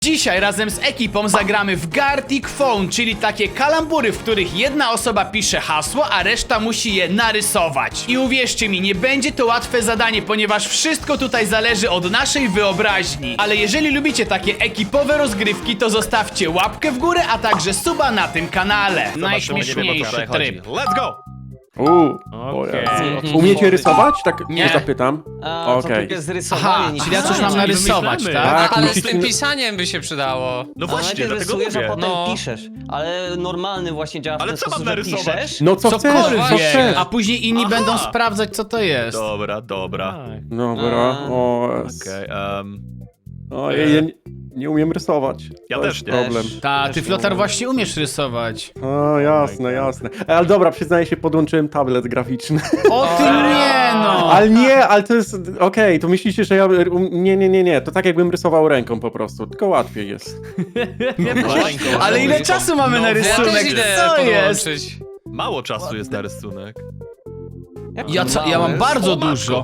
Dzisiaj razem z ekipą zagramy w Gartic Phone, czyli takie kalambury, w których jedna osoba pisze hasło, a reszta musi je narysować. I uwierzcie mi, nie będzie to łatwe zadanie, ponieważ wszystko tutaj zależy od naszej wyobraźni. Ale jeżeli lubicie takie ekipowe rozgrywki, to zostawcie łapkę w górę, a także suba na tym kanale. Najśmieszniejszy tryb. Let's go! Okej. Umiecie rysować? Tak Nie. nie zapytam. A, to Okej. tylko jest rysowanie, Aha, nie czyli ja coś mam pisanie. narysować, wymyślamy. tak? Tak, Ale z musicie... tym pisaniem by się przydało. No A właśnie, najpierw dlatego rysujesz, a mówię. potem No. piszesz. Ale normalny właśnie działa w Ale ten co mam sposób, że narysować? piszesz. No co chcesz, co Cokolwiek, chcesz. a później inni Aha. będą sprawdzać, co to jest. Dobra. Tak. Dobra, Okej, o, ja nie umiem rysować. Ja To też jest nie. problem. Ta, ty Też Flotar nie. właśnie umiesz rysować. O, jasne, jasne. Ale dobra, przyznaję się, podłączyłem tablet graficzny. O ty nie no! Ale nie, ale to jest... Okej, to myślicie, że ja... Nie. To tak jakbym rysował ręką po prostu, tylko łatwiej jest. Ale ile czasu mamy na Ja rysunek? też idę Co jest? podłączyć. Mało czasu jest na rysunek. Jak Ja mam mały. bardzo O, matko. dużo.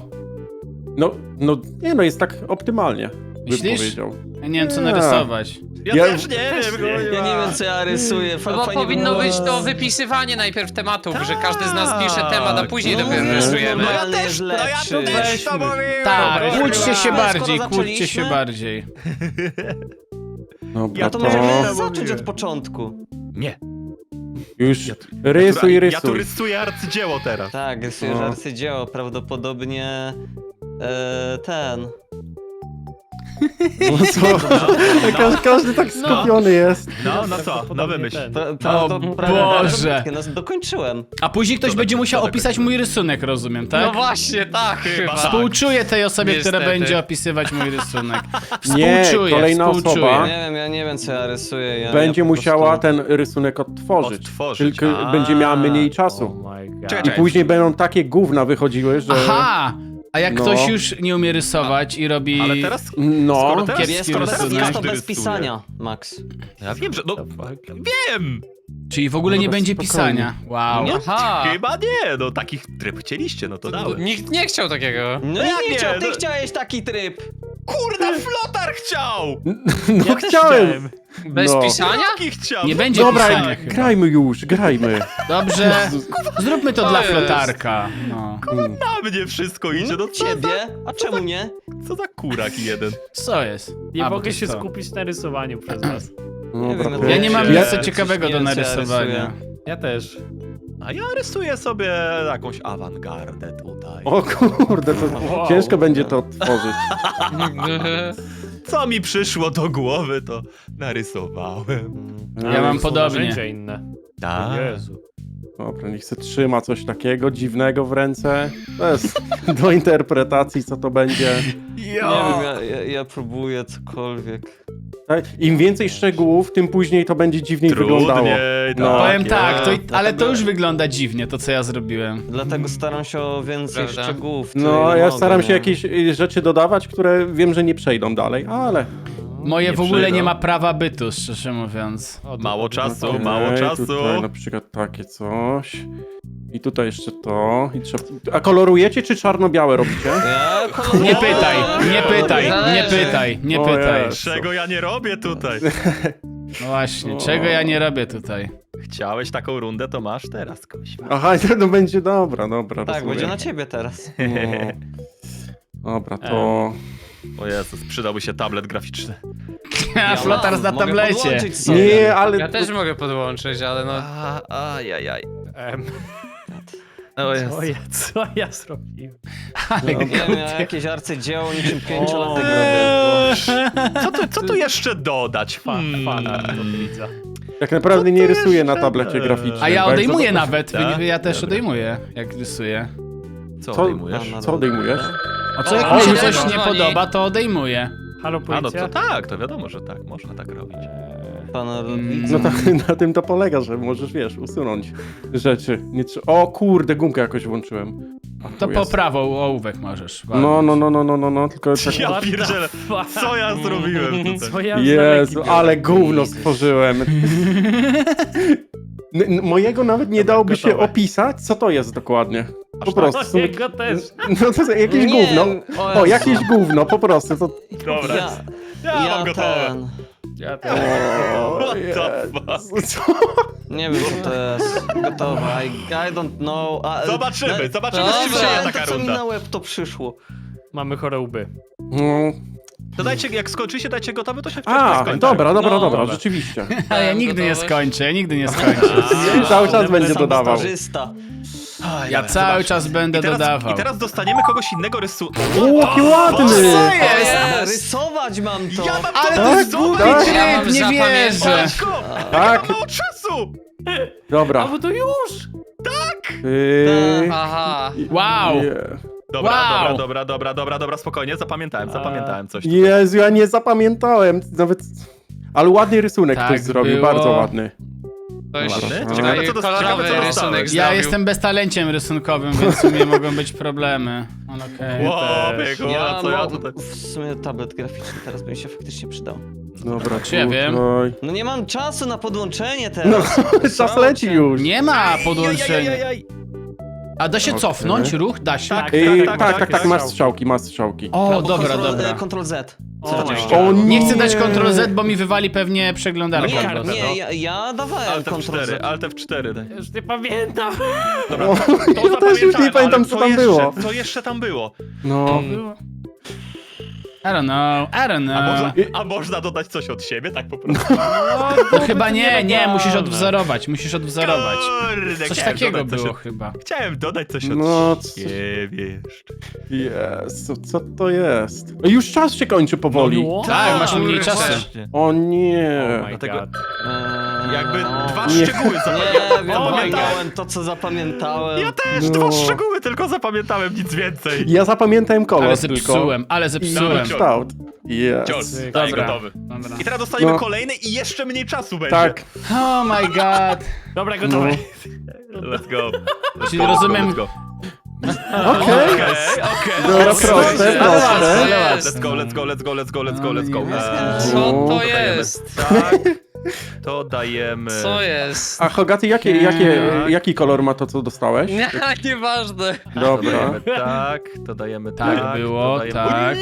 No jest tak optymalnie, bym Myślisz? powiedział. Ja nie wiem, co Nie. narysować. Ja Ja- też nie wiem. Ja nie wiem, co ja rysuję. No bo Fajnie powinno było. być to wypisywanie najpierw tematów, że każdy z nas pisze temat, a później No, dopiero no, rysujemy. no, Ja Normalny też, jest no ja lepszy. to też to Weźmy. mówiłem. Tak, Dobra, kłóćcie się skoro bardziej, kłóćcie zaczęliśmy- się bardziej. Dobra, Ja to to... możemy zacząć od początku. Nie. Już Ja rysuj. tu rysuję arcydzieło teraz. Tak, rysujesz No. arcydzieło, prawdopodobnie... ten... No co? Każdy tak skupiony jest. No co? No wymyśl. Boże. No, dokończyłem. A później ktoś Co będzie tak- musiał co tak opisać robisz? mój rysunek, rozumiem, No tak? właśnie, tak chyba. tak. Współczuję tej osobie, która Niestety. będzie opisywać mój rysunek. Nie, Współczuję, kolejna współczuję. osoba. Ja nie wiem, co ja rysuję. Będzie ja po musiała prostu... ten rysunek odtworzyć. Odtworzyć. Tylko A. będzie miała mniej Oh czasu. my god. Czekaj, I później będą takie gówna wychodziły, że... Aha! A jak No. ktoś już nie umie rysować i robi... Ale teraz... No, Skoro teraz, Kiepski skoro teraz rysunek. Jest to każdy bez rysuje. pisania, Max. Ja wiem, że... No, wiem! Czyli w ogóle nie Dobra, będzie spokojnie. pisania. Wow. No, Aha. chyba nie, no takich tryb chcieliście, no to dałem. Nikt nie chciał takiego. No jak i nie? chciał, ty No- chciałeś taki tryb. Kurna, Flotar chciał! no Ja też chciałem. Bez No. pisania? Jaki chciał? Nie będzie Dobra, pisania chyba. grajmy już, grajmy. Dobrze, zróbmy to To dla jest. flotarka. No. Na mnie wszystko idzie, no co Ciebie? A czemu nie? Co za kurak jeden. Co jest? Nie A, bo mogę to się co? skupić na rysowaniu przez was. Dobra, wiem, to- Ja nie mam Ja- nic co ciekawego nie do wiem, co ja narysowania. rysuję. Ja też. A ja rysuję sobie jakąś awangardę tutaj. O kurde, to Wow. ciężko będzie to odtworzyć. Co mi przyszło do głowy, to narysowałem. Ja mam Są podobnie. narzędzia inne. Tak. O Jezu. Dobra, niech se trzyma coś takiego dziwnego w ręce. To jest do interpretacji, co to będzie. Nie wiem, ja próbuję cokolwiek. Tak? Im więcej szczegółów, tym później to będzie dziwniej wyglądało. Trudniej, No. Powiem tak, to ale to Dlatego- już wygląda dziwnie, to co ja zrobiłem. Dlatego staram się o więcej Prawda? szczegółów. No, tyle, ja mogę, staram się nie? jakieś rzeczy dodawać, które wiem, że nie przejdą dalej, ale... Moje Nie w ogóle przyjdą. nie ma prawa bytu, szczerze mówiąc. O, to Mało powinno- czasu, Okej, mało czasu. Tutaj na przykład takie coś. I tutaj jeszcze to. I trzeba... A kolorujecie, czy czarno-białe robicie? Ja koloruję. Nie pytaj, nie pytaj, nie Zależy. pytaj, nie O pytaj. Jezu. Czego ja nie robię tutaj? No właśnie, czego ja nie robię tutaj? Chciałeś taką rundę, to masz teraz, kuźwa. Aha, to będzie dobra, Tak, rozumiem. będzie na ciebie teraz. No. Dobra, to... O Jezus, przydałby się tablet graficzny. A flotar mam, na mogę tablecie. podłączyć sobie. Nie, ale... Ja też mogę podłączyć, ale no... Ajajaj. O Co Jezu. co ja zrobiłem? Ale Nie wiem, ja jakieś arcydzieło niczym 5-latek robię. Co tu jeszcze dodać? Fana to widzę. Tak naprawdę nie rysuję na tablecie graficznym. A ja bo jak odejmuję zobacz- nawet, Tak? ja też Dobra. odejmuję, jak rysuję. Co Co, odejmujesz? co odejmujesz? A co O, jak mi się o, coś dzwoni. nie podoba, to odejmuję. Halo, A no policja? to tak, to wiadomo, że tak, można tak robić. Pana No to, na tym to polega, że możesz, wiesz, usunąć rzeczy. Nie trze- O kurde, gumkę jakoś włączyłem. A, To tu po jest. prawą ołówek możesz. No, tylko tak... Ja What the pierdzielę, fuck? co ja zrobiłem tutaj? Co ja Jezu, za ale gówno stworzyłem. Mojego nawet nie Dobra, dałoby się gotowe. opisać, co to jest dokładnie. Po prostu. są- Jego też. No to jest jakieś Nie, gówno. O, Jezu. jakieś gówno, po prostu. To... Dobra, Ja ja mam gotowe. Ja też. O, the fuck? Co? Nie wiem, co to jest. Gotowe. I don't know. Zobaczymy, zobaczymy, Dobra. czy przyjdzie To, taka co mi runda. na łeb to przyszło. Mamy chore łby. No. To dajcie, jak skończycie, dajcie gotowy, to się A, skończy. dobra, No, dobra, rzeczywiście. A ja nigdy nie gotowość. skończę, ja nigdy nie skończę. Cały czas będzie Sam dodawał. Stażysta. Ja cały czas będę dodawał. I teraz dostaniemy kogoś innego rysunku. O, jaki ładny! Co O, jest? Rysować mam to. Ja mam Ale to to jest głupi tak? Ja mam tryb, nie wierzę. zapamiętać. Tak. Ja mam mało czasu! Dobra. A bo to już! Aha. Wow. Dobra, spokojnie, zapamiętałem coś. Jezu, ja nie zapamiętałem nawet... Ale ładny rysunek Tak ktoś zrobił, było. bardzo ładny. Ktoś Ładny? ciekawy, Ciekawe, co kolorowy dostałeś. rysunek Ja zrobił. jestem beztalenciem rysunkowym, więc w sumie mogą być problemy. Ale okej. Wow, też. biegu, a co ja tutaj... w sumie tablet graficzny teraz by mi się faktycznie przydał. Dobra, Czy ja wiem? tutaj. No nie mam czasu na podłączenie No, teraz. czas leci już. Nie ma podłączenia. Ej, A da się Okej. cofnąć ruch? Da się? Tak. Tak, masz strzałki, masz strzałki. O, dobra, dobra. Ctrl Z. O, Oczywiście. O Nie chcę dać Ctrl Z, bo mi wywali pewnie przeglądarkę. Nie, po prostu. nie, ja dawałem Alt Ctrl F4, Z. Alt F4 daj. Już nie pamiętam. Dobra, O, to ja też już nie zapamiętałem, pamiętam, ale co tam było. Co jeszcze tam było? No. I don't know. A można dodać coś od siebie, tak po prostu? No chyba nie, musisz odwzorować, Kurde, Coś chciałem takiego dodać coś było od- chyba. Chciałem dodać coś od No, co- siebie jeszcze. Jezu, co to jest? Już czas się kończy powoli. No, Tak, masz mniej kurde, czasu. Właśnie. O nie. Oh my Dlatego- God. Jakby dwa Nie. szczegóły Nie, zapamiętałem. zapamiętałem to, co zapamiętałem. Ja też, No. dwa szczegóły tylko zapamiętałem, nic więcej. Ja zapamiętałem kolor Ale tylko. zepsułem, ale I zepsułem. kształt. Cios, Yes. daj Dobra. gotowy. Dobra. I teraz dostaniemy No. kolejny i jeszcze mniej czasu będzie. Tak. Oh my god. Dobra, gotowe. Let's go. Czyli rozumiem- Let's go. Okej. Okej. Dobra, Okej. proste, Ale proste. łatwe. Let's go. Co No. to jest? Tak. To dajemy. Co jest? A Hogaty, jaki kolor ma to, co dostałeś? Nie, nieważne. To Dobra, dajemy tak, to dajemy Tak tak. było, to dajemy... tak.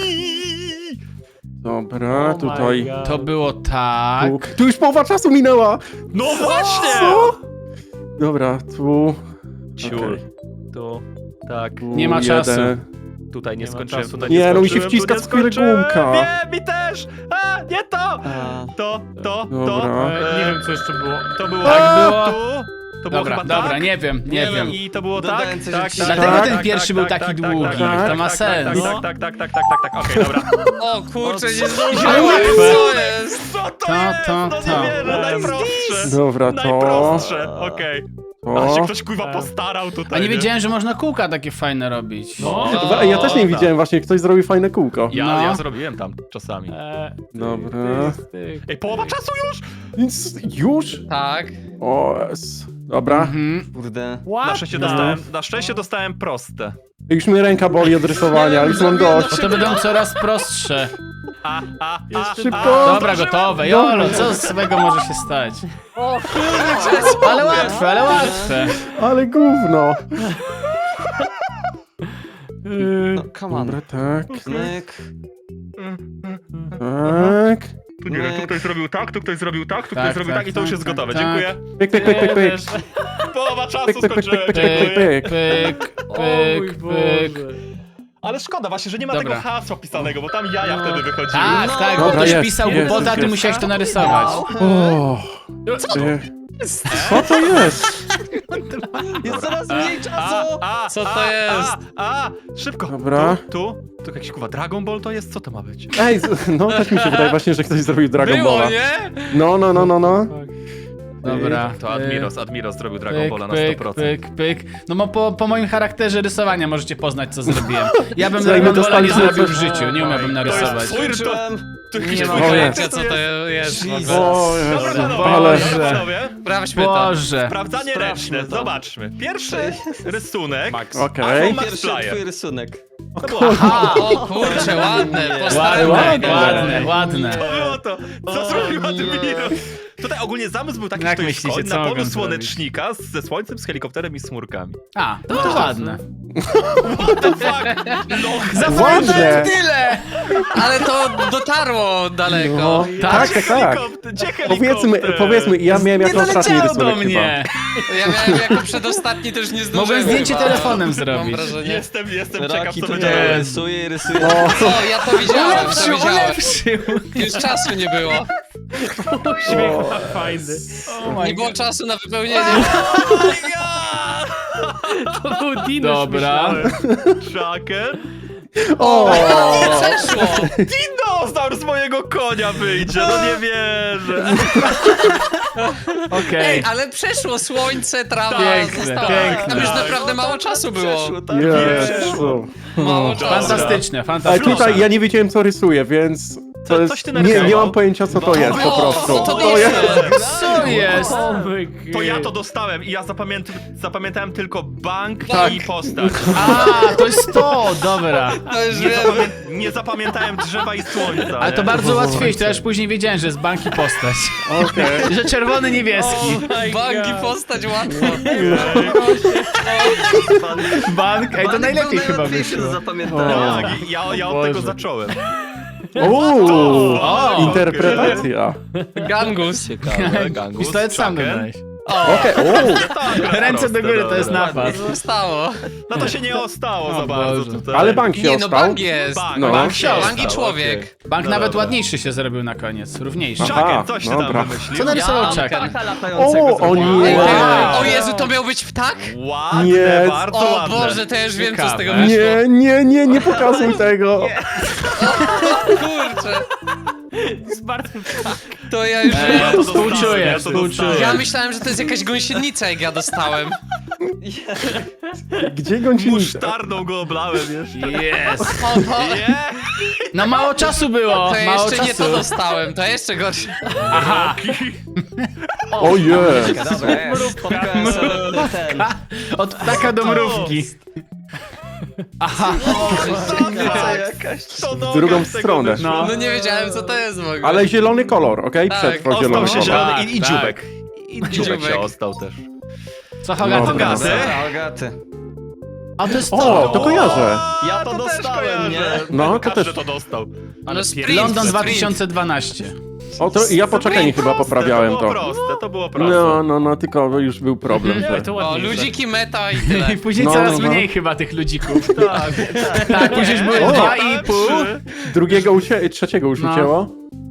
dobra, Oh my tutaj. God. To było tak. Tu już połowa czasu minęła! No właśnie! Co? Dobra, tu. Ciur. Okej. Tu, tak. Tu Nie ma czasu. Tutaj nie Nie ma skończyłem, czasu. tutaj Nie, no mi się skończyłem, wciska tu nie w skórę skończyłem. gumka. Nie, mi też! A, nie to! A, To. Dobra. Nie wiem, co jeszcze było. To było Tak było. tu. To było Dobra, chyba dobra, tak. nie wiem. I to było tak, Dodałem coś tak, od tak. Dlatego tak, ten tak, pierwszy tak, był tak, taki tak, długi. tak, To ma tak, sens. Tak, okej, dobra. O kurczę, nie Ale zdążyłem. łatwe. Co jest? Co to To, jest? to, No to. nie wierzę, najprostsze. Dobra, to. Najprostsze, okej. A się To. ktoś kurwa postarał tutaj. A nie wiedziałem, że można kółka takie fajne robić. No. Ja też nie tak. widziałem, właśnie ktoś zrobił fajne kółko. No. Ja zrobiłem tam czasami. Dobra. Ej, połowa czasu już? Nic, już? Tak. O, dobra. Mhm. kurde. Na szczęście dostałem proste. Już mnie ręka boli od rysowania, już mam dość. Bo to będą coraz prostsze. Szybko. Dobra, gotowe. Jolo, co złego może się stać? Ale łatwe, ale łatwe. Ale gówno. No, come on. Dobra, tak, Myk. tak. Tu nie wiem, tu ktoś zrobił tak, tu ktoś zrobił tak, tu Tak, ktoś zrobił tak, tak i to już jest tak, gotowe. tak. Dziękuję. Pyk, pyk, pyk, pyk, pyk. Połowa czasu Pyk, pyk, pyk, skończyłem. pyk, pyk, Dziękuję. pyk. Pyk, O mój pyk, Boże. pyk. Ale szkoda właśnie, że nie ma Dobra. tego hasła pisanego, bo tam jaja wtedy wychodziły. Tak, tak, bo Dobra, ktoś jest, pisał jest, głupota, a ty jest. musiałeś to narysować. O, co to jest? Jest coraz mniej czasu! Co to jest? Szybko. Dobra. Tu jakiś kurwa Dragon Ball to jest? Co to ma być? Ej, no też mi się wydaje właśnie, że ktoś zrobił Dragon Było, Balla. nie? No. Dobra. To Admiros zrobił Dragon Pyk, Balla na pyk, 100%. pyk, pyk. No po moim charakterze rysowania możecie poznać, co zrobiłem. Ja bym Słuchaj, my Dragon Balla nie dostaliśmy zrobił w coś- życiu, nie umiałbym narysować. twój Skończyłem. To jakiś Nie twój ma charakter Pojęcia, co to jest. Jesus. O, Dobra, Jezu, panowie, ale... dobra, panowie. Sprawdźmy to. Boże. Sprawdzanie Sprawdźmy ręczne, to. zobaczmy. Pierwszy rysunek. Max. Okej. Max Pierwszy Flyer. twój rysunek. Aha, o kurczę, ładne, Ładne, postarane. ładne. Było to! Co zrobił Admiros? Tutaj ogólnie zamysł był taki, Jak że to jest myślicie, koń co na mogą pomysł zrobić? słonecznika ze słońcem, z helikopterem i z chmurkami. A, no to ładne. Ładne. Zapamiętałem tyle! Ale to dotarło daleko. No, tak. Gdzie helikopter? Powiedzmy, ja miałem Nie jako ostatni doleciało do rysunek chyba. mnie! Ja miałem jako przedostatni, też nie zdążyłem. Mogłem zdjęcie chyba. telefonem Mam zrobić. wrażenie. Jestem ciekaw, Rocky co to będzie. nie rysuje i rysuje. O, ja to widziałem, to Ulepszył, widziałem. ulepszył! Już czasu nie było. Uśmiech fajny. Nie było czasu na wypełnienie. To był Dinusz, Dobra. myślałem. Tracker? O! Przeszło. Dinozaur z mojego konia wyjdzie, no nie wierzę. Okej. Ej, ale przeszło słońce, trawa, Piękne, zostało. piękne. Tam już naprawdę mało czasu było. Przeszło, tak Jezu. Mało czasu. Fantastyczne, Ale fantastyczne. tutaj ja nie wiedziałem, co rysuję, więc to jest... coś ty Nie narysował? mam pojęcia, co to jest po prostu. No to To dobrze. jest... Co jest? O my God. To ja to dostałem i ja zapamiętałem tylko bank Tak. i postać. A, to jest to, dobra. To już Nie, wiem. nie zapamiętałem drzewa i słońca. Ale to nie? bardzo łatwiej, to ja już później wiedziałem, że jest bank i postać. Okej. Że czerwony, niebieski. Banki postać łatwo. Bank, ej, to najlepiej chyba wyszło. Tak, i ja od Boże. tego zacząłem. Uuu, O, interpretacja. Gangus. Ciekawe, gangus. Pistolet sam Chucken. dodałeś. Okej, uuu. Ręce do góry, to jest napad. Zostało. No to się nie ostało O za bardzo Boże. tutaj. Ale bank się Nie no, ostał. bank jest. Bank, No. bank się Bank i ostał, człowiek. okej. Bank No nawet dobra. ładniejszy się zrobił na koniec, równiejszy. Aha. Chucken, coś ty tam dobra. wymyślił. Co narysował Ja- Chucken? O nie. Ej, Wow. O Jezu, to miał być ptak? Ładne, Nie. bardzo O ładne. Boże, to ja już wiem, co z tego Ciekawe. wyszło. Nie pokazuj tego. Kurczę, Zmarł ptak. to ja już Ja wiem. to Współczuję, dostałem, ja to współczuję. dostałem. Ja myślałem, że to jest jakaś gąsienica, jak ja dostałem. Gdzie gąsienica? Musztardą go oblałem jeszcze. Jest. O, to, Nie! No mało czasu było, to ja mało jeszcze nie czasu. to dostałem, to jeszcze gorsze. Aha, O jest. Dobra, jest. Spotkałem sobie ten. od ptaka do mrówki. Aha, To W drugą stronę. no. No nie wiedziałem, co to jest w ogóle. Ale zielony kolor, okej? Tak, Przetrwał zielony Ostał się kolor. zielony i Tak, dziubek. I dziubek dziubek. się ostał też. Co Hogaty Dobra. teraz? Algaty. A to jest O, to. to kojarzę. Ja to też dostałem, nie? kojarzę. No, to Każdy też. to dostał. No sprint, London sprint. 2012. O, to ja po czekaniu chyba poprawiałem To było to. proste, to było proste. No, tylko już był problem, Nie, że... to O, ładnie. ludziki meta i tyle. I później No, coraz no. mniej chyba tych ludzików. Tak, Tak, później już były O. 2,5. Trzeciego już No. ucięło.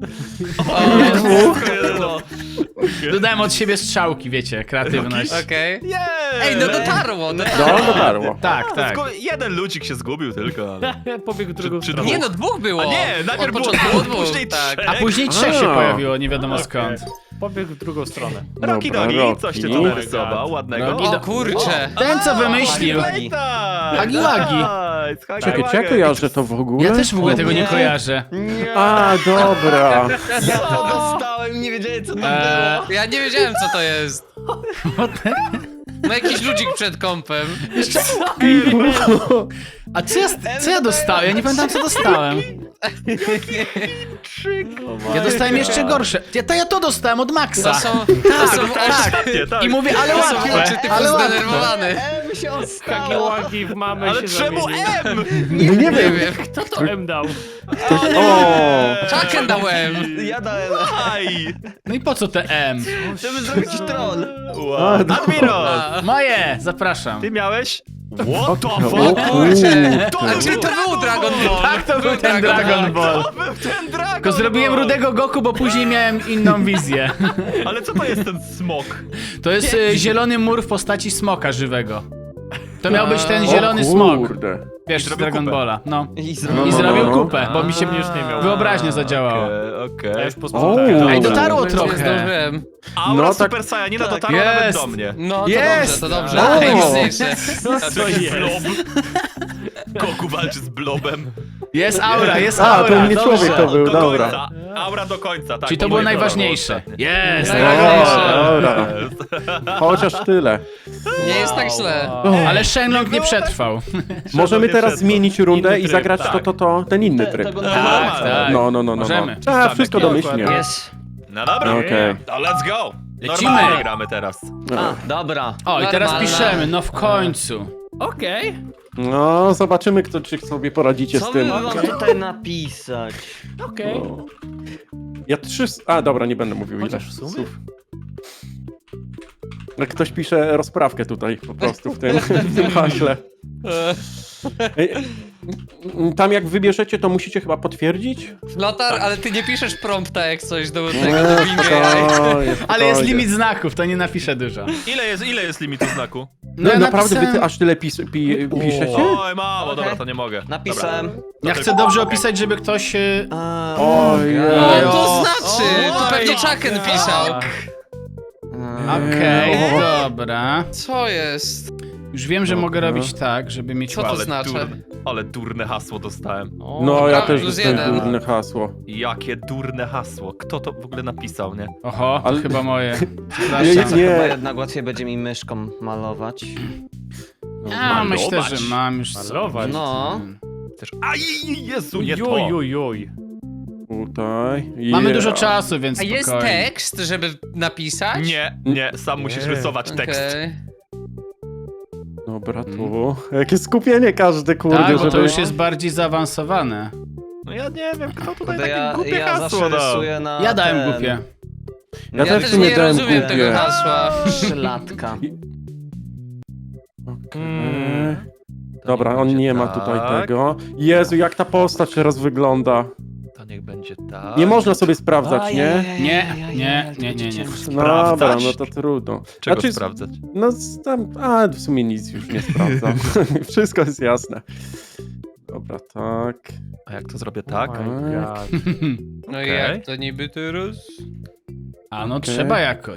Dodałem od siebie strzałki, wiecie, kreatywność. Okej. Jej! Ej, no dotarło. No, dotarło. Tak, tak. Jeden ludzik się zgubił tylko, ale... Pobiegł w drugą Czy stronę. Nie no, dwóch było. A nie, Od najpierw było początku dwóch, było później tak. trzech. A później trzech się A. pojawiło, nie wiadomo skąd. Pobiegł w drugą stronę. Rocky Dobra, Dogi, coś ty tu Rocky. narysował, ładnego. Rocky O kurcze. Ten co wymyślił. Hagi Czekaj, ja że to w ogóle? Ja też w ogóle tego nie nie. kojarzę. A, dobra. Ja to dostałem, nie wiedziałem, co to było. Ja nie wiedziałem, co to jest. No jakiś ludzik przed kąpem. A co ja dostałem? Ja nie pamiętam co dostałem. Ja dostałem jeszcze gorsze. Ja to dostałem od Maxa. To są oczy, Tak. I mówię, ale to są oczy łatwe, typu ale łatwe. zdenerwowany. M się Hagi ostało. łagi w mamę Ale się czemu zamienił. M? Nie Nie wiem. wiem. Kto to M dał? O, Chucken dałem. Ja dałem. Aj! No i po co te M? Żeby zrobić troll. Wow. A, Admiros! Moje, zapraszam. Ty miałeś? What the o fuck? kurczę. A czy to był Dragon Ball? Tak, to był ten Dragon Ball. To był ten Dragon Tylko zrobiłem Ball. rudego Goku, bo później miałem inną wizję. Ale co to jest ten smok? To jest zielony mur w postaci smoka żywego. To miał być ten O zielony smok. kurde. Wiesz, z zrobił Dragon kupę. Balla. No. I I zrobił kupę, Bo mi się już nie miał. Wyobraźnia zadziałała. Okej. Ja już O, posprzątałem. Ej, dobra. dotarło Nie trochę. zdążyłem. Aura No, tak- Super Saiyanina tak. dotarła nawet Jest. do mnie. No to Jest. dobrze, to dobrze. O. Najmocniejsze. A to jakiś blob. Goku walczy z blobem. Jest aura, jest A, aura. to nie dobrze. człowiek to był, do dobra. końca. Aura do końca, tak. Czyli to bo było moje najważniejsze. ostatnie. Jest, O, najważniejsze. Dobra. Chociaż tyle. Nie jest tak źle. Ale Shenlong nie przetrwał. Możemy nie teraz przetrwał. zmienić rundę Inny i tryb, zagrać tak. ten inny tryb. Tego Tak, normalnego. tak. No. Możemy. Trzeba wszystko domyślnie. Jest. No dobra, Okej. to let's go. Lecimy. Normalnie gramy teraz. A, dobra. O, i teraz Normalna. piszemy, no w końcu. Okej. No, zobaczymy, czy sobie poradzicie Co z by tym. wam tutaj napisać? Okej. Ja 3... A, dobra, nie będę mówił ile. Chociaż w sumie? słów. Jak ktoś pisze rozprawkę tutaj po prostu w tym haśle. Ej, tam jak wybierzecie, to musicie chyba potwierdzić? Lotar, ale ty nie piszesz prompta jak coś do tego, do Bing AI. Ale jest limit znaków, to nie napiszę dużo. Ile jest limitu znaku? No, ja naprawdę wy napisałem- ty aż tyle piszecie? Oj, mało, Okej. dobra, to nie mogę. Napisałem. Ja chcę dobrze opisać, żeby ktoś... Ojej. No Jo. to znaczy, to pewnie Chucken pisał. Okej, dobra. Co jest? Już wiem, że Dobra. mogę robić tak, żeby mieć Co to łatwe. znaczy? Ale durne hasło dostałem. No, ja Dobra, też plus dostałem jeden. durne hasło. Jakie durne hasło. Kto to w ogóle napisał, nie? Oho, to Ale- chyba moje. Nie, Przepraszam. nie. Chyba jednak łatwiej będzie mi myszką malować. Ja myślę, Malować. że mam już Malować. No. Też... Aj, Jezu, nie to. Oj. Tutaj. Mamy Yeah. dużo czasu, więc A jest spokojnie. tekst, żeby napisać? Nie, sam musisz Nie. rysować tekst. Okej. Dobra, tu. Jakie skupienie każdy, kurde, Tak, bo żeby... to już jest bardziej zaawansowane. No ja nie wiem, kto tutaj Kurde, takie ja głupie zawsze hasło dał. rysuję na Ja dałem ten- głupie. Ja Ja też też w sumie nie dałem rozumiem głupie. tego hasła. 3-latka. Dobra, on nie ma tutaj tak. tego. Jezu, jak ta postać teraz wygląda. To niech będzie tak. Nie można sobie sprawdzać, nie? Nie. Dobra, Sprawdzać? no to trudno. Czego Znaczy, sprawdzać? No tam, w sumie nic już nie sprawdzam. Wszystko jest jasne. Dobra, tak. A jak to zrobię tak? No i Okej. jak to niby teraz? A no Okej. trzeba jakoś.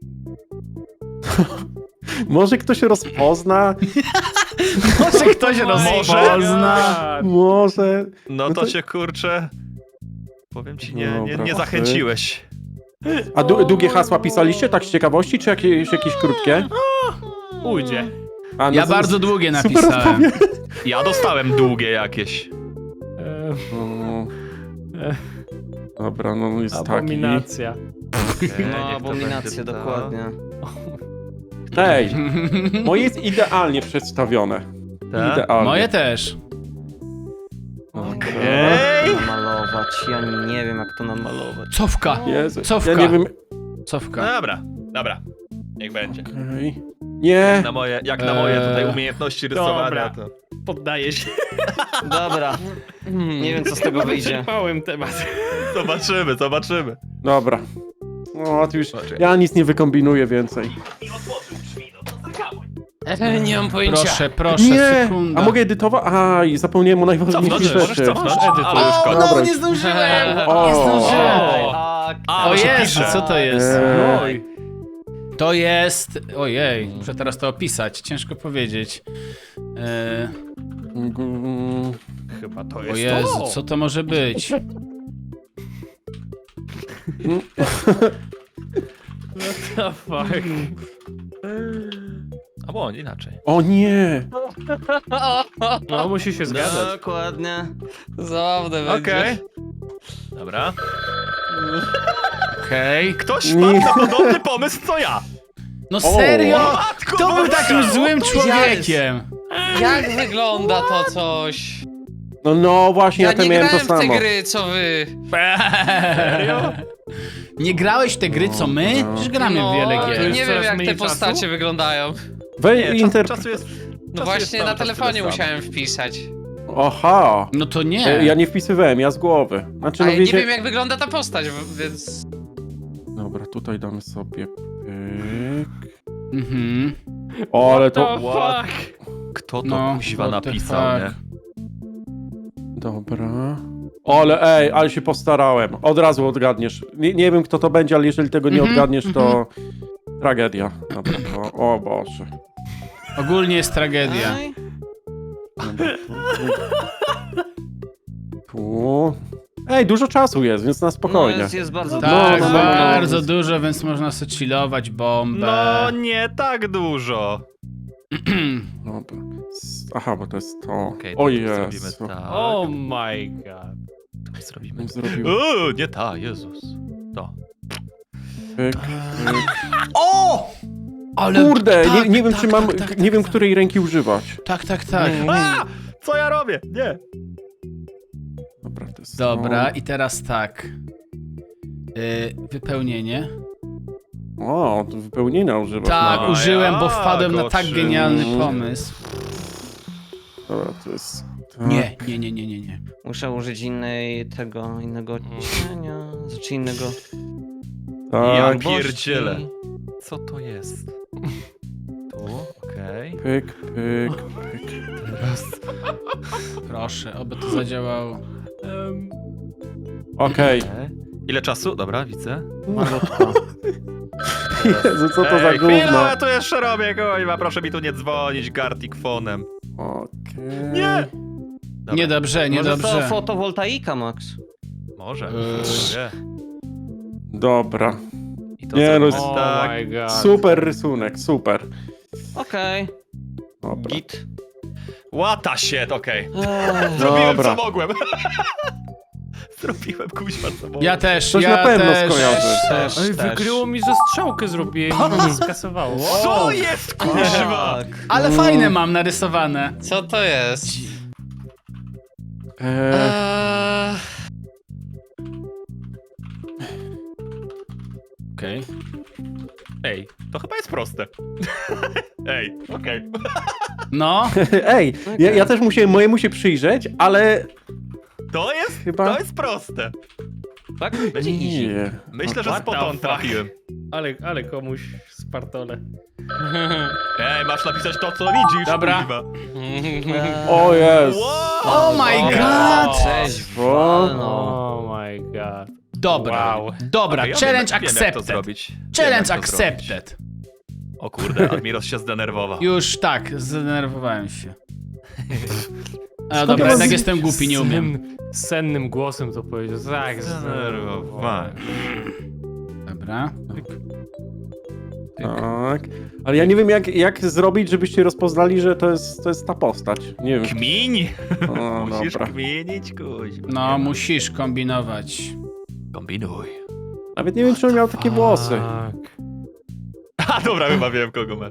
Może ktoś rozpozna? Może ktoś rozpozna. Może. No No to to- cię kurczę. Powiem ci, nie Dobra, zachęciłeś. A długie hasła pisaliście tak z ciekawości, czy jakieś krótkie? Ujdzie. A, no Ja z- bardzo długie super napisałem. odpowiedź. Ja dostałem długie jakieś. O. Dobra, no jest taki. Abominacja. Okej, niech No, to abominacje, będzie to. dokładnie. Ej, moje jest idealnie przedstawione. Tak? Idealnie. Moje też. Okej. Jak to namalować? Ja nie wiem, jak to namalować. Cofka. Jezu, Cofka. ja nie wiem. Cofka. Dobra. Niech będzie. Okej. Nie. Jak na moje tutaj umiejętności rysowania. Dobra. To... Poddaję się. Dobra. Nie wiem, co z tego wyjdzie. Wyczerpałem temat. Zobaczymy. Dobra. No, to już. Zobaczę. Ja nic nie wykombinuję więcej. Nie mam pojęcia. Proszę, Nie! sekunda. A mogę edytować? A, i zapomniałem o najważniejszych Cofnąć, możesz rzeczy. cofnąć. Edytuj. Ale już koniec. Dobra. nie zdążyłem! O. Nie zdążyłem! A, O bo się Jezu, pisze. co to jest? Oj. To jest... Ojej, muszę teraz to opisać, ciężko powiedzieć. Chyba to O jest Jezu, to. co to może być? The fuck. Albo inaczej. O nie! No, musi się zgadzać. Dokładnie. Zabawne będzie. Okej. Dobra. Okej. Ktoś wpadł na podobny pomysł co ja. No serio? Matko Kto był boska! takim złym człowiekiem? Jak wygląda to coś? No właśnie, ja, Ja to nie miałem to grałem w te samo. gry, co wy. Serio? Nie grałeś w te gry co my? No. Przecież gramy w No, wiele to gier. jest nie wiem coraz jak mniej te czasu? postacie wyglądają. Czasu jest... No właśnie na telefonie musiałem wpisać. Aha! No to nie. Ja nie wpisywałem, ja z głowy. Znaczy, Ale no nie wiecie... wiem jak wygląda ta postać, więc... Dobra, tutaj damy sobie pyk. Mhm. O, ale The to... fuck. Kto to No, kuźwa what the napisał, nie? fuck. Dobra. Ale się postarałem. Od razu odgadniesz. Nie wiem, kto to będzie, ale jeżeli tego nie odgadniesz, to... Tragedia. Dobra, to... O Boże. Ogólnie jest tragedia. Ej, Tu. Ej, dużo czasu jest, więc na No, spokojnie. jest bardzo Tak, no, bardzo dużo, więc można sobie chillować bombę. No nie tak dużo. Dobra. Aha, bo to jest to. Okej, O to Jezu. zrobimy tak. Oh my god. To zrobimy. Zrobił. Nie ta, Jezus. To. Pyk, pyk. O! Ale Kurde, tak, nie wiem, tak, czy mam. tak, tak, nie wiem, tak. której ręki używać. Tak. A! Co ja robię? Nie. Dobra, to jest. Dobra, i teraz tak. Wypełnienie. O, to wypełnienia używasz Tak, nawet. użyłem, bo A, wpadłem na tak goszy. genialny pomysł. Dobra, to jest. Tak. Nie. Muszę użyć innego odcienia, znaczy innego... Ja Tak, pierdzielę. Co to jest? Tu, okej. pyk, pyk, pyk. Proszę, oby to zadziałało. Okej. Ile czasu? Dobra, widzę. Malutko. Jezu, co to za Ej, chwila, gówno? ja tu jeszcze robię, kurwa, proszę mi tu nie dzwonić Gartic fonem. Okej. Nie! Dobra, Niedobrze. Może to fotowoltaika, Max? Może. Nie. Dobra. I to Nie, zrobimy no, tak. my god. Super rysunek, super. Okej. Dobra. Git. What the shit, okej. Eee, Zrobiłem Dobra. co mogłem. Zrobiłem kuźwa co mogłem. Ja też, Coś ja na pewno też. skojarzy. też, Ej, też. wykryło mi, że strzałkę zrobiłem i mnie skasowało. Co jest kuźwa? Tak. Ale fajne mam narysowane. Co to jest? Okej. Ej, to chyba jest proste. Ej, okej. No, Ej, ja też musiałem mojemu się przyjrzeć, ale To jest, Chyba- to jest proste. Tak? Będzie easy. nie. Myślę, że What the spot on fuck? trafiłem. Ale komuś spartole. Ej, masz napisać to, co widzisz. Dobra. kuźwa. O jest. Wow! oh my god! Cześć, O. no. Oh my god. Dobra, Wow. dobra, Okej, ja challenge wiem, jak to accepted. zrobić. Challenge Wiem, jak to zrobić. accepted. O kurde, Admiros się zdenerwował. Już tak, zdenerwowałem się. A Skąd dobra, ja jednak z- jestem głupi, nie umiem. Sennym głosem to powiedział. Tak, Zdenerwowałem. Dobra. Tak. Ale ja nie wiem, jak zrobić, żebyście rozpoznali, że to jest ta postać. Nie wiem. Kmiń! O, Musisz dobra. kminić, kuźwa. No, musisz kombinować. Kombinuj. Nawet nie wiem, czy on miał takie włosy. Tak. A dobra, chyba wiem, kogo masz.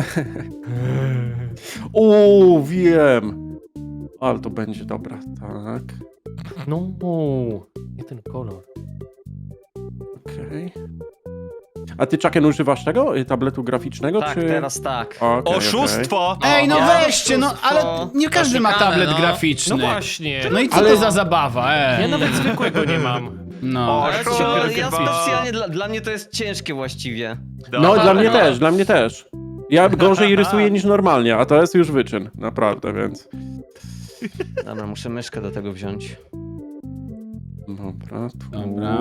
Wiem. Ale to będzie dobra, tak. No, nie ten kolor. Okej. A ty, Chucken, używasz tego tabletu graficznego, Tak, czy... teraz tak. Okej, Oszustwo! Ej, no Ja weźcie, no, ale nie każdy ma Oszukane, tablet no. graficzny. No właśnie. No i co Ale- to za zabawa, Ja nawet zwykłego nie mam. No. Ale Oszustwo. to ja specjalnie, dla mnie to jest ciężkie właściwie. No, dla mnie no. też, dla mnie też. Ja gorzej rysuję niż normalnie, a to jest już wyczyn, naprawdę, więc... Dobra, muszę myszkę do tego wziąć. Dobra, tu... Dobra.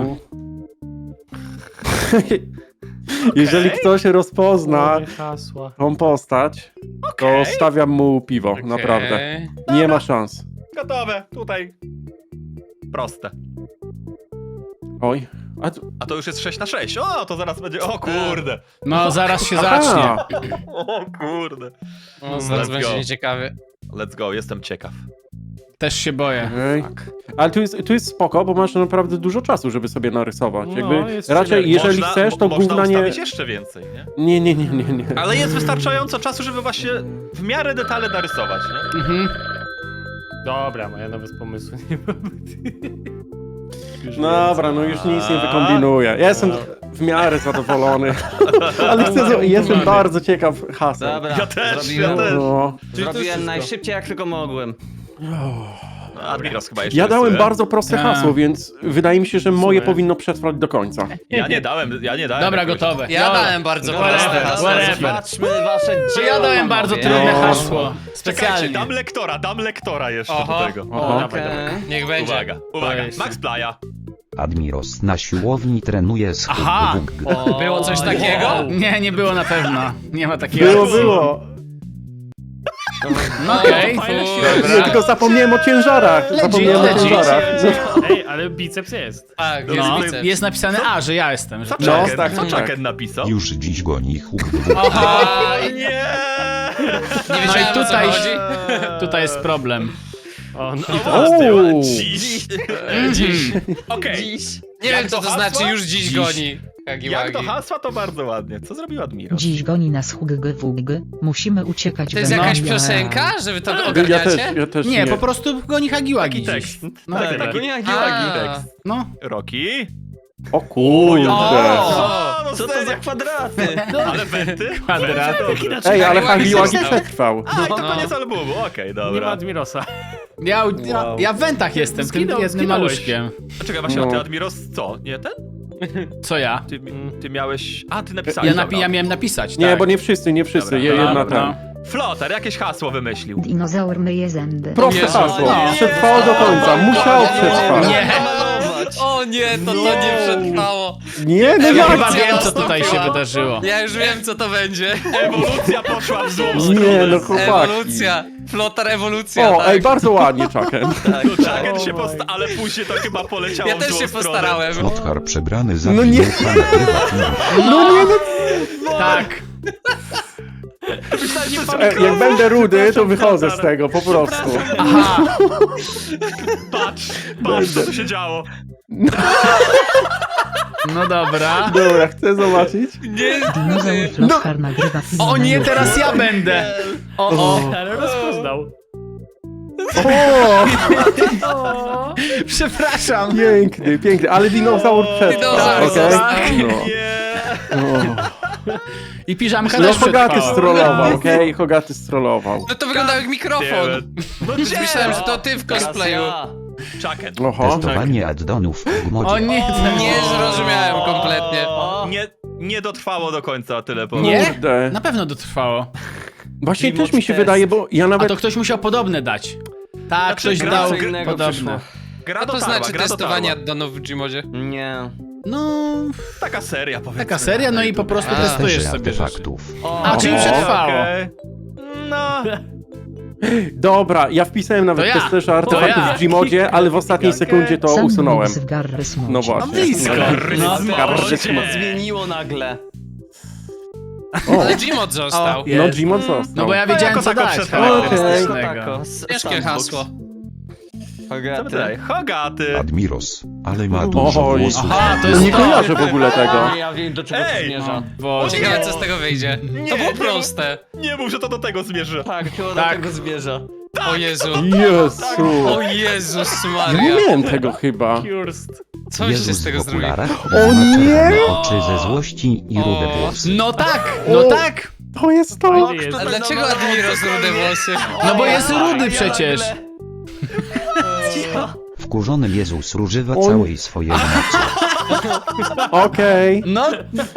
Jeżeli ktoś rozpozna Nie hasła. tą postać, to Okej. stawiam mu piwo, naprawdę. Okej. Nie ma szans. Gotowe, tutaj. Proste. Oj. A to już jest 6 na 6. O, to zaraz będzie. O kurde. No, zaraz się zacznie. Aha, O kurde. No, zaraz Let's będzie go. nieciekawy. Let's go, jestem ciekaw. Też się boję. okej. Ale tu jest spoko, bo masz naprawdę dużo czasu, żeby sobie narysować. No, Jakby jest raczej, chillerką. jeżeli Można- chcesz, to można gówna nie... ustawić jeszcze więcej, nie? Nie. Ale jest wystarczająco czasu, żeby właśnie w miarę detale narysować, nie? Mhm. Dobra, ja nawet pomysłu nie mam. Już Dobra, no już nic nie wykombinuję. Ja jestem w miarę zadowolony. Ale jestem bardzo ciekaw haseł. Dobra, Ja też, zrobiłem, ja też. No. zrobiłem najszybciej jak tylko mogłem. No, Admiros chyba jeszcze Ja dałem rysuje. bardzo proste Tak. hasło, więc wydaje mi się, że moje sumie. powinno przetrwać do końca. Ja nie dałem. Dobra, jakoś. gotowe. Ja Dobra. dałem bardzo Dobra, proste whatever, hasło. whatever. Zobaczmy wasze To dzieło. ja dałem bardzo panowie. trudne No. hasło. Czekajcie, Specjalnie. dam lektora jeszcze Oho. do tego. Oho. Dawaj, dawaj. Okej. Niech będzie. Uwaga. jest- Max Playa. Admiros na siłowni trenuje z Aha. O, Było coś takiego? Nie, nie było na pewno. Nie ma takiego. Było. No okej. Fajna Dobra. Nie, tylko zapomniałem o ciężarach. Zapomniałem o legit. ciężarach. Ej, ale biceps jest. Tak, jest No, biceps. jest napisane A, że ja jestem. Że... Co No, Chucken, tak, co tak. Chucken napisał? Już dziś goni huk Aha, Nie! Nie no wiedziałem, i o co tutaj, chodzi. tutaj jest problem. O, no, Uuu. Dziś. Okej. Nie Jak wiem, co to to hasła? znaczy już dziś Dziś. goni. Jak do hasła, to bardzo ładnie. Co zrobił Admiros? Dziś goni nas hugg. Musimy uciekać. To jest we jakaś noc. piosenka, że wy to Ja ogarniacie? też Nie, po prostu goni Hagiłagi Taki dziś. tekst. No, Tak, tak. taki A. tekst. no. Roki? O kurde. no Co to za kwadraty? Ale wenty? Kwadraty. Ej, ale Hagiłagi Hagiłagi został. przetrwał. A, i to No. koniec albumu, okej, nie ma dobra. Admirosa. Ja w wentach jestem, tym jednym Zginąłeś. maluszkiem. A czekaj, właśnie, a ty No. Admiros co? Nie ten? Co ja? Ty miałeś... A, ty napisałeś, dobra. Ja miałem napisać, Nie, tak. bo nie wszyscy. Dobra, Jedna dobra. tam. Flotar, jakieś hasło wymyślił. Dinozaur myje zęby. Proste Jezu. hasło. No. Przetrwało do końca. Musiał przetrwać. Nie. O nie, to nie przetrwało. Nie, no Ja jak? chyba wiem, co tutaj się wydarzyło. Ja już wiem, co to będzie. Ewolucja poszła w złą Nie, stronę. no chłopaki. Ewolucja. Flotar ewolucja, O, tak. ej, bardzo ładnie, Chucken. Chucken się ale później to chyba poleciało Ja w też złą się stronę. postarałem. Flotkar przebrany za No nie. widoka nagrywa film. No nie, no. Tak. Jak będę rudy, to wychodzę z tego, po prostu. Aha. Patrz, co tu się działo. No dobra. Dobra, chcę zobaczyć. Dinozaur Flotkar nagrywa film. O na nie, YouTube. teraz ja będę. O. Ale rozpoznał. O, Przepraszam. piękny, piękny, ale dinozaur przetrwał, Dinozaur okej? został. No. Nie. I piżamka No też Hogaty przetrwała. strollował, okej? Hogaty strollował. No to wyglądał jak mikrofon. No Już myślałem, że to ty w cosplayu. Chucken. Oho. Testowanie addonów w O gmodzie. nie, Nie zrozumiałem kompletnie. Nie dotrwało do końca, tyle powiem. Nie? Kurde. Na pewno dotrwało. Właśnie Remote też mi się test. wydaje, bo ja A nawet... to ktoś musiał podobne dać. Tak, Znaczy, ktoś gra dał co innego podobne. przyszło. Gra Co to dotarła, znaczy gra testowanie dotarła. addonów w Gmodzie? Nie. No, Taka seria, powiedzmy. taka seria, no i po prostu A. testujesz Sferzy sobie rzeczy. artefaktów. A, czyli Okej. przetrwało. Okej. No, Dobra, ja wpisałem nawet To ja. testerze artefaktów ja. w Gmodzie, ale w ostatniej sekundzie to Sam usunąłem. w Garrys No Modzie. właśnie. blisko. No, Zmieniło nagle. O, Ale Gmod został. O, no jest. Gmod został. No bo ja wiedziałem, jako co tako dać przetrwało. charakterystycznego. Ciężkie hasło. Co tutaj? Hogaty. Admiros, ale ma dużo Oj. włosów. Aha, to jest Nie to. kojarzę w ogóle tego. Ja wiem, do czego to Ej! zmierza. Boże. Ciekawe, co z tego wyjdzie. To było nie, proste. Nie mów, że to do tego zmierza. Tak, chyba Tak. do tego zmierza. O Jezu. Jezu. O Jezus Ja nie Maria. miałem tego chyba. Kurst. Coś się Jezus z tego w zrobiło. okularach O ma nie! czerwone oczy ze złości i rude włosy. No tak, no tak. To jest to. Fajny jest. A dlaczego Admiros rude włosy? No bo jest rudy przecież. Wkurzony Jezus używa Oj. całej swojej mocy. Okej. No,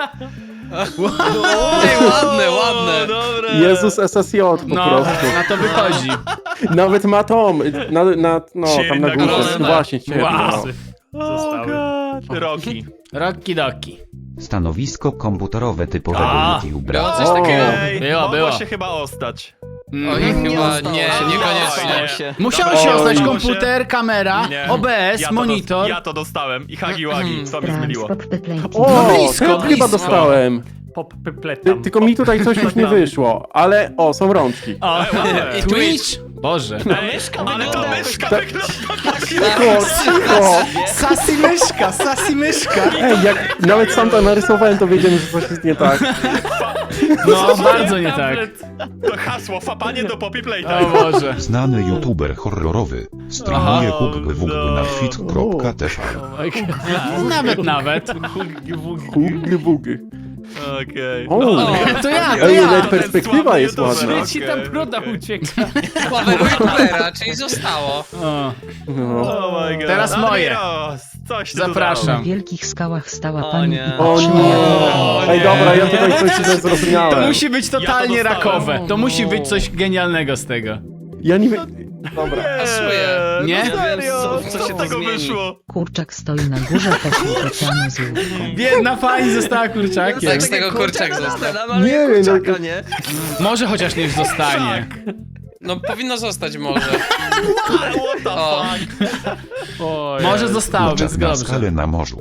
Ej, ładne, ładne. Jezus SSJ po no, prostu. na to wychodzi. Nawet ma tom, no tam na górze. nagrodzona. Właśnie, ciebie. Wow. No. Zostały. Roki. Roki doki. Stanowisko komputerowe typowego A. youtubera. Było coś takiego. Było, Mogło było. się chyba ostać. Oj, chyba nie, Stało niekoniecznie. się. Musiał Dobra, się oj. ostać Oj. komputer, kamera, Nie. OBS, Ja to monitor. Ja to dostałem i Hagiłagi, co mi zmyliło. O, No blisko, to ja chyba blisko. dostałem. Pop pepletam. Tylko mi tutaj coś już nie wyszło, ale o, są rączki. O, ładne. i Twitch. Boże. Ale to myszka wygląda Cicho, cicho. Sassy myszka, sassy myszka. Ej, jak nawet sam to narysowałem, to wiedziałem, że coś jest nie tak. No, bardzo nie tak. to hasło, fapanie do Poppy O Playtime. Boże. Znany youtuber horrorowy streamuje Aha. huk na fit.tv. Nawet. Bugy, bugy. Okej. O, To ja, to ej, ja. nawet perspektywa jest YouTuber. ładna. Ci tam broda ucieka. Sławego youtubera, czyli zostało. O, No. Oh my God. Teraz moje. Admiros, coś ty tu Zapraszam. W wielkich skałach stała O pani nie. i O patrzyła nie. jak Ej, dobra, ja tutaj coś źle To zrozumiałem. musi być totalnie Ja to dostałem. rakowe. To musi być coś genialnego z tego. Ja nie wiem. Dobra. Pasuje. Nie? No serio? Co się z to tego zmieni? wyszło? kurczak stoi na górze takiego oceanu z łódką. Biedna pani została kurczakiem. Tak z tego kurczak został. Nie wiem, no, nie? Może chociaż niech zostanie. No powinno zostać może. What the O. fuck? Oj, Może zostało, więc Kurczak na dobrze. skale na morzu.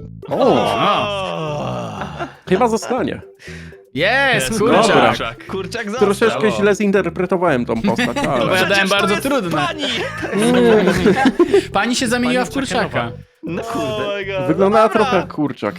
Chyba zostanie. Jest, Dobra. kurczak. Kurczak został. Troszeczkę źle zinterpretowałem tą postać, No bo ale... ja dałem Przecież to bardzo jest trudne. Pani! Pani się zamieniła w Pani kurczaka. Czekanowa. No kurde. Wyglądała trochę jak kurczak.